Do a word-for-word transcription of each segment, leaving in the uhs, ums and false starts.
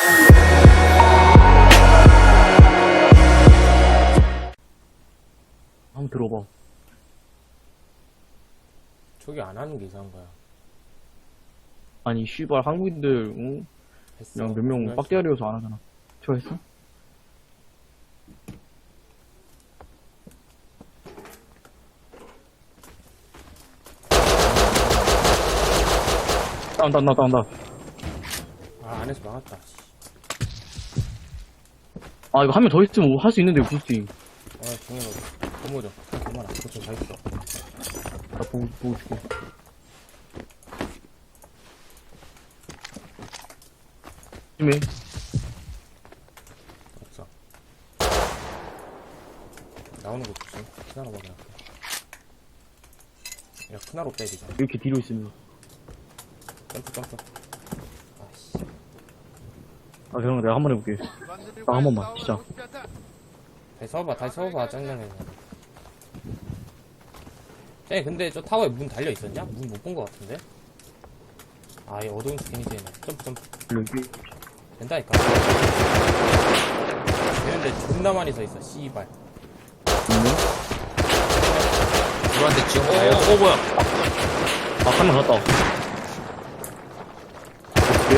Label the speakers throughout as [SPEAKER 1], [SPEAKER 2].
[SPEAKER 1] 한번 들어봐.
[SPEAKER 2] 저기 안 하는 게 이상한 거야.
[SPEAKER 1] 아니 씨발 한국인들 응?
[SPEAKER 2] 했어.
[SPEAKER 1] 그냥 몇 명
[SPEAKER 2] 분명히
[SPEAKER 1] 빡대가리여서 안 하잖아. 저 했어? 다운 다운 다운 다운 다운.
[SPEAKER 2] 아, 안에서 막았다. 씨.
[SPEAKER 1] 아 이거 한 명 더 있으면 할 수 있는데 굳이.
[SPEAKER 2] 아, 정해놓고. 고모죠. 고모라. 그거 다 있어.
[SPEAKER 1] 나 보고 보고 줄게. 조심해.
[SPEAKER 2] 없어. 나오는 거 조심. 크나로 먹여놨어 야, 크나로 빼야 되잖아.
[SPEAKER 1] 이렇게 뒤로 있으면.
[SPEAKER 2] 점프, 점프. 아씨.
[SPEAKER 1] 아 그럼 내가 한 번 해볼게. 나 한 번만 진짜.
[SPEAKER 2] 다시 서봐, 다시 서봐. 짱짱해. 쟤 근데 저 타워에 문 달려 있었냐? 문 못 본 거 같은데? 아, 이 어두운 스킨이지. 얘네. 점프, 점프.
[SPEAKER 1] 여기.
[SPEAKER 2] 된다니까. 되는데 존나 많이 서 있어, 씨발.
[SPEAKER 3] 누구한테 지원
[SPEAKER 1] 어,
[SPEAKER 3] 가요?
[SPEAKER 1] 어 뭐야? 아 한 명 갔다. 어떻게?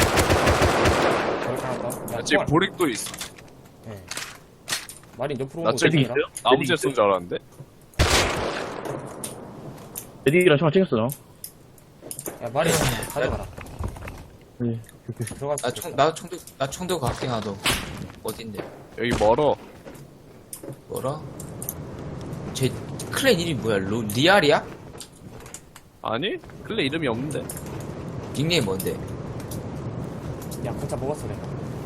[SPEAKER 2] 저렇게 하나 더. 야,
[SPEAKER 4] 지금
[SPEAKER 2] 총알.
[SPEAKER 4] 보릭도 있어.
[SPEAKER 2] 예. 마린 옆으로
[SPEAKER 4] 나
[SPEAKER 2] 오는 거
[SPEAKER 4] 저기
[SPEAKER 2] 있잖아.
[SPEAKER 4] 나무새 쏜 줄 알았는데.
[SPEAKER 1] 에디랑 총알 챙겼어 나.
[SPEAKER 2] 야, 마린 가져가라.
[SPEAKER 1] 네. 이렇게.
[SPEAKER 2] 들어갔어.
[SPEAKER 3] 나 총, 나 총도, 나 총도 갈게, 나도. 어딘데?
[SPEAKER 4] 여기 멀어.
[SPEAKER 3] 뭐라? 제 클랜 이름이 뭐야? 로, 리알이야?
[SPEAKER 4] 아니? 클레 이름이 없는데.
[SPEAKER 3] 닉네임 뭔데?
[SPEAKER 2] 야, 건차 먹었어, 내가.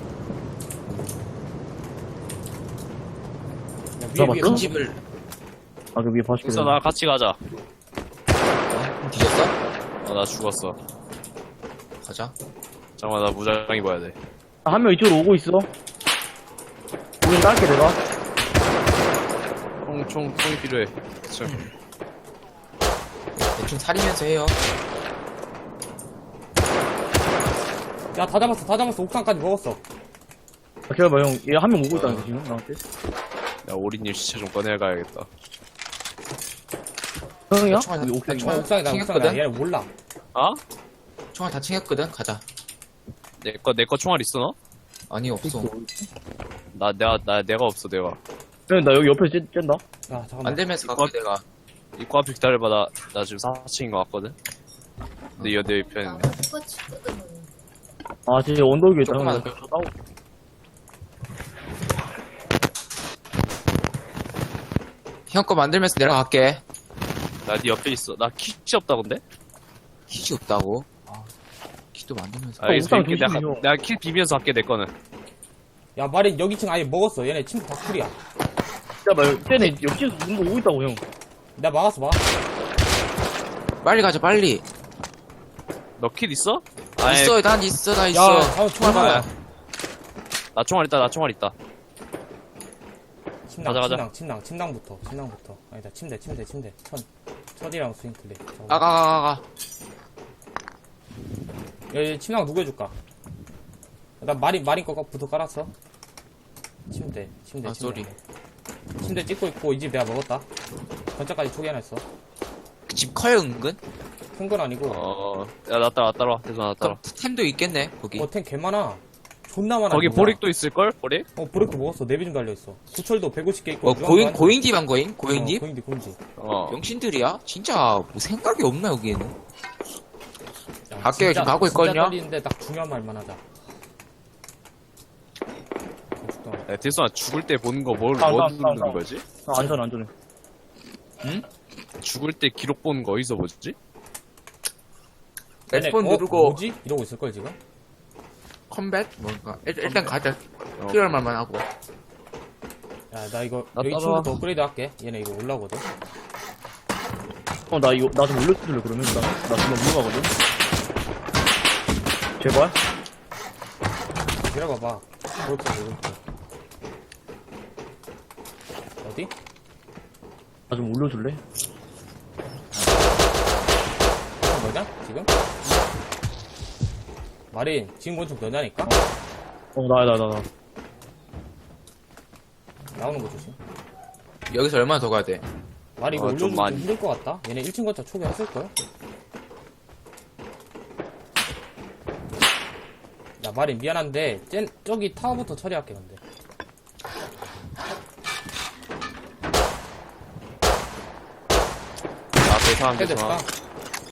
[SPEAKER 2] 야, 위에,
[SPEAKER 1] 잡았어?
[SPEAKER 2] 위에
[SPEAKER 3] 큰 집을,
[SPEAKER 1] 아 그 위에 봐줄게.
[SPEAKER 4] 있어, 나 같이 가자.
[SPEAKER 3] 어? 뒤졌어?
[SPEAKER 4] 어, 나 죽었어.
[SPEAKER 3] 가자.
[SPEAKER 4] 잠깐만, 나 무장 입어야 돼.
[SPEAKER 1] 아, 한 명 이쪽으로 오고 있어. 우린 딸게 내가.
[SPEAKER 4] 총, 총, 총이 필요해. 총.
[SPEAKER 3] 대충 살이면서 해요.
[SPEAKER 2] 야, 다 잡았어, 다 잡았어. 옥상까지 먹었어.
[SPEAKER 1] 아, 기다려봐 형. 얘 한 명 오고 있다는데 지금 나한테.
[SPEAKER 4] 야, 오리님 시체 좀 꺼내가야겠다.
[SPEAKER 1] 형이야?
[SPEAKER 3] 총알,
[SPEAKER 1] 여기
[SPEAKER 3] 나
[SPEAKER 1] 옥상이야?
[SPEAKER 3] 총알
[SPEAKER 2] 옥상이다, 옥상이다.
[SPEAKER 3] 챙겼거든?
[SPEAKER 2] 얘는 몰라.
[SPEAKER 4] 아?
[SPEAKER 3] 총알 다 챙겼거든? 가자.
[SPEAKER 4] 내 거, 내 거 총알 있어, 너?
[SPEAKER 3] 아니, 없어.
[SPEAKER 4] 나, 내가, 나, 내가 없어, 내가.
[SPEAKER 1] 형, 나 여기 옆에 쬐, 쬐다.
[SPEAKER 2] 야, 잠깐만.
[SPEAKER 3] 안 되면서 갈게, 내가.
[SPEAKER 4] 입구 앞에 기다려봐, 나, 나 지금 사 층인 거 같거든? 근데 이 내 옆에 있네.
[SPEAKER 1] 아, 진짜 언덕 위에 있다. 형,
[SPEAKER 3] 조금만
[SPEAKER 1] 나 저 싸우고.
[SPEAKER 3] 형 거 만들면서 내려갈게.
[SPEAKER 4] 나 네 옆에 있어. 나 킷이 없다, 근데?
[SPEAKER 3] kit이 없다고? 아, kit도 만들면서.
[SPEAKER 4] 아, 알겠어.
[SPEAKER 1] 옥상
[SPEAKER 4] 이렇게 내가,
[SPEAKER 1] 조심해요.
[SPEAKER 4] 내가 킷 비비면서 할게, 내 거는.
[SPEAKER 2] 야, 마린 여기 층 아예 먹었어. 얘네 침대 다 쿨이야.
[SPEAKER 1] 야, 쟤네 옆집에서 누군가 오고 있다고, 형.
[SPEAKER 2] 나 막았어, 막았어.
[SPEAKER 3] 빨리 가자, 빨리.
[SPEAKER 4] 너 킷 있어? 아니,
[SPEAKER 3] 있어, 난 있어, 나 있어.
[SPEAKER 2] 야, 다음 총알
[SPEAKER 3] 봐봐.
[SPEAKER 2] 뭐야?
[SPEAKER 4] 나 총알 있다, 나 총알 있다.
[SPEAKER 2] 침낭,
[SPEAKER 4] 가자, 가자.
[SPEAKER 2] 침낭, 침낭, 침낭부터, 침낭부터. 아니다, 침대, 침대, 침대. 천, 천이랑 스윙클리.
[SPEAKER 3] 가, 가, 가, 가, 가.
[SPEAKER 2] 야, 얘 침낭 누구 해줄까? 나 마린, 마린 거부터 깔았어. 침대, 침대,
[SPEAKER 3] 아,
[SPEAKER 2] 침대.
[SPEAKER 3] 쏘리.
[SPEAKER 2] 침대 찍고 있고, 이 집 내가 먹었다. 건짜까지 초기 하나 있어.
[SPEAKER 3] 그 집 커요, 은근?
[SPEAKER 2] 큰 건 아니고.
[SPEAKER 4] 어, 야, 나 따라, 나 따라와. 대선 나 따라.
[SPEAKER 3] 그럼 템도 있겠네, 거기.
[SPEAKER 2] 어, 템 개 많아. 존나 많아.
[SPEAKER 4] 거기
[SPEAKER 2] 존나.
[SPEAKER 4] 보릭도 있을걸? 보릭?
[SPEAKER 2] 어, 보릭도 먹었어. 네비 좀 달려있어. 구철도 백오십 개 있고.
[SPEAKER 3] 어, 고잉, 고잉집 한 거임? 고잉집?
[SPEAKER 2] 어, 고잉집, 고잉집.
[SPEAKER 4] 어.
[SPEAKER 3] 영신들이야? 진짜, 뭐 생각이 없나, 여기에는?
[SPEAKER 2] 야,
[SPEAKER 3] 갈게요,
[SPEAKER 2] 진짜-
[SPEAKER 3] 지금 가고 있거든요?
[SPEAKER 2] 진짜 떨리는데 딱 중요한 말만 하자.
[SPEAKER 4] 야, 대선아, 죽을 때 보는 거 뭘,
[SPEAKER 1] 아,
[SPEAKER 4] 뭐
[SPEAKER 1] 나,
[SPEAKER 4] 누르는
[SPEAKER 1] 나, 나.
[SPEAKER 4] 거지?
[SPEAKER 1] 아, 안전해, 안전해.
[SPEAKER 4] 죽을 때 기록 보는 거 어디서 보지?
[SPEAKER 3] 렉스폰
[SPEAKER 2] 어?
[SPEAKER 3] 누르고,
[SPEAKER 2] 뭐지? 이러고 있을걸, 지금?
[SPEAKER 3] 컴뱃? 뭔가. 일, 일단 가자.
[SPEAKER 4] 어.
[SPEAKER 3] 필요할 말만 하고.
[SPEAKER 2] 야, 나 이거,
[SPEAKER 4] 나
[SPEAKER 2] 여기
[SPEAKER 4] 따라와.
[SPEAKER 2] 친구부터 업그레이드 할게. 얘네 이거 올라오거든.
[SPEAKER 1] 어, 나 이거, 나 좀 올려줄래, 그러면? 나, 나 정말 무서워하거든? 제발?
[SPEAKER 2] 기다려봐봐. 그렇게, 그렇게. 어디?
[SPEAKER 1] 나 좀 올려줄래?
[SPEAKER 2] 너냐? 지금? 마린, 지금 건축 너냐니까?
[SPEAKER 1] 어, 나야, 나, 나, 나.
[SPEAKER 2] 나오는 거 조심.
[SPEAKER 3] 여기서 얼마나 더 가야 돼?
[SPEAKER 2] 말이 이거
[SPEAKER 4] 어, 좀
[SPEAKER 2] 올려주기 좀
[SPEAKER 4] 많이.
[SPEAKER 2] 힘들 것 같다. 얘네 일 층 건차 초기화했을걸? 야, 말이 미안한데, 쟤, 저기 타워부터 처리할게, 근데.
[SPEAKER 4] 앞에 사람
[SPEAKER 2] 헤드
[SPEAKER 4] 좋아.
[SPEAKER 2] 까